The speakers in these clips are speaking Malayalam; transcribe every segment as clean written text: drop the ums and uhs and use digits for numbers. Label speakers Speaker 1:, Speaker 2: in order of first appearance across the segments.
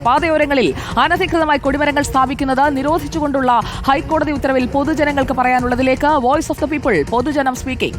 Speaker 1: പാതയോരങ്ങളിൽ അനധികൃതമായി കൊടിമരങ്ങൾ സ്ഥാപിക്കുന്നത് നിരോധിച്ചുകൊണ്ടുള്ള ഹൈക്കോടതി ഉത്തരവിൽ പൊതുജനങ്ങൾക്ക് പറയാനുള്ളതിലേക്ക് വോയിസ് ഓഫ് ദ പീപ്പിൾ പൊതുജനം സ്പീക്കിംഗ്.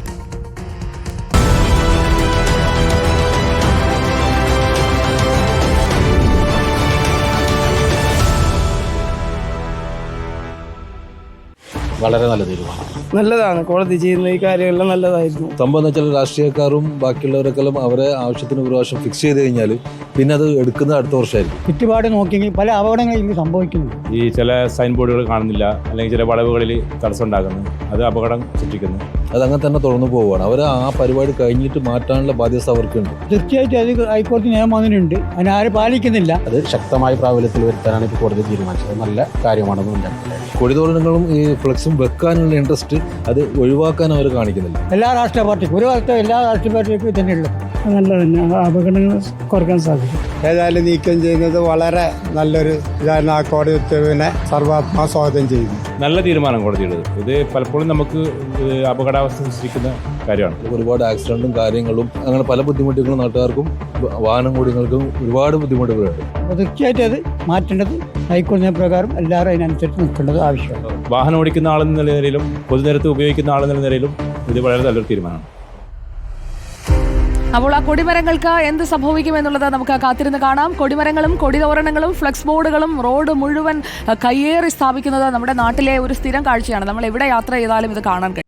Speaker 2: വളരെ നല്ല തീരുമാനം.
Speaker 3: നല്ലതാണ്. കോടതി ചെയ്യുന്ന ഈ കാര്യമെല്ലാം നല്ലതായിരുന്നു.
Speaker 4: സംഭവം എന്ന് വെച്ചാൽ രാഷ്ട്രീയക്കാരും ബാക്കിയുള്ളവരൊക്കെല്ലാം അവരെ ആവശ്യത്തിന് ഒരു പ്രാവശ്യം ഫിക്സ് ചെയ്ത് കഴിഞ്ഞാൽ പിന്നെ അത് എടുക്കുന്നത് അടുത്ത വർഷമായിരിക്കും.
Speaker 5: ചുറ്റുപാട് നോക്കിയെങ്കിൽ പല അപകടങ്ങളും സംഭവിക്കുന്നു.
Speaker 6: ഈ ചില സൈൻ ബോർഡുകൾ കാണുന്നില്ല, അല്ലെങ്കിൽ ചില വളവുകളിൽ തടസ്സം ഉണ്ടാക്കുന്നു, അത് അപകടം സൃഷ്ടിക്കുന്നു.
Speaker 4: അതങ്ങനെ തന്നെ തുടർന്നു പോവുകയാണ്. അവർ ആ പരിപാടി കഴിഞ്ഞിട്ട് മാറ്റാനുള്ള ബാധ്യത അവർക്കുണ്ട്.
Speaker 5: തീർച്ചയായിട്ടും അത് ഹൈക്കോടതി നിയമം അതിനുണ്ട്, അതിനാരും പാലിക്കുന്നില്ല.
Speaker 2: അത് ശക്തമായ പ്രാബല്യത്തിൽ വരുത്താനാണ് ഇപ്പോൾ കോടതി തീരുമാനിച്ചത്. നല്ല കാര്യമാണെന്ന് മനസ്സിലാക്കുന്നത്.
Speaker 4: കൊടിതോരണങ്ങളും ഈ ഫ്ലെക്സും വെക്കാനുള്ള ഇൻട്രസ്റ്റ് അത് ഒഴിവാക്കാൻ അവർ കാണിക്കുന്നില്ല.
Speaker 5: എല്ലാ രാഷ്ട്രീയ പാർട്ടിക്കും ഒരു കാലത്ത് എല്ലാ രാഷ്ട്രീയ പാർട്ടികൾക്കും തന്നെയുള്ളത്
Speaker 3: നല്ല തന്നെ അപകടങ്ങൾ കുറയ്ക്കാൻ സാധിക്കും.
Speaker 7: ഏതായാലും നീക്കം ചെയ്യുന്നത് വളരെ നല്ലൊരു ഇതാണ്. ആ കോടതി ഉത്തരവിനെ സർവാത്മാ സ്വാഗതം ചെയ്യുന്നു.
Speaker 6: നല്ല തീരുമാനം കോടതിയുള്ളത്. ഇത് പലപ്പോഴും നമുക്ക് അപകടാവസ്ഥ സൃഷ്ടിക്കുന്ന കാര്യമാണ്.
Speaker 4: ഒരുപാട് ആക്സിഡന്റും കാര്യങ്ങളും അങ്ങനെ പല ബുദ്ധിമുട്ടുകളും നാട്ടുകാർക്കും വാഹനം കൂടികൾക്കും ഒരുപാട് ബുദ്ധിമുട്ടുകളുണ്ട്.
Speaker 5: അപ്പോൾ തീർച്ചയായിട്ടും അത് മാറ്റേണ്ടത് ഹൈക്കോടതി പ്രകാരം എല്ലാവരും അതിനനുസരിച്ച് നിൽക്കേണ്ടത് ആവശ്യമാണ്.
Speaker 6: വാഹനം ഓടിക്കുന്ന ആളെന്ന നിലയിലും പൊതുനിരത്ത് ഉപയോഗിക്കുന്ന ആളെന്ന നിലയിലും ഇത് വളരെ നല്ലൊരു തീരുമാനമാണ്.
Speaker 1: അപ്പോൾ ആ കൊടിമരങ്ങൾക്ക് എന്ത് സംഭവിക്കുമെന്നുള്ളത് നമുക്ക് കാത്തിരുന്ന് കാണാം. കൊടിമരങ്ങളും കൊടിതോരണങ്ങളും ഫ്ലെക്സ് ബോർഡുകളും റോഡ് മുഴുവൻ കയ്യേറി സ്ഥാപിക്കുന്നത് നമ്മുടെ നാട്ടിലെ ഒരു സ്ഥിരം കാഴ്ചയാണ്. നമ്മൾ എവിടെ യാത്ര ചെയ്താലും ഇത് കാണാൻ കഴിയും.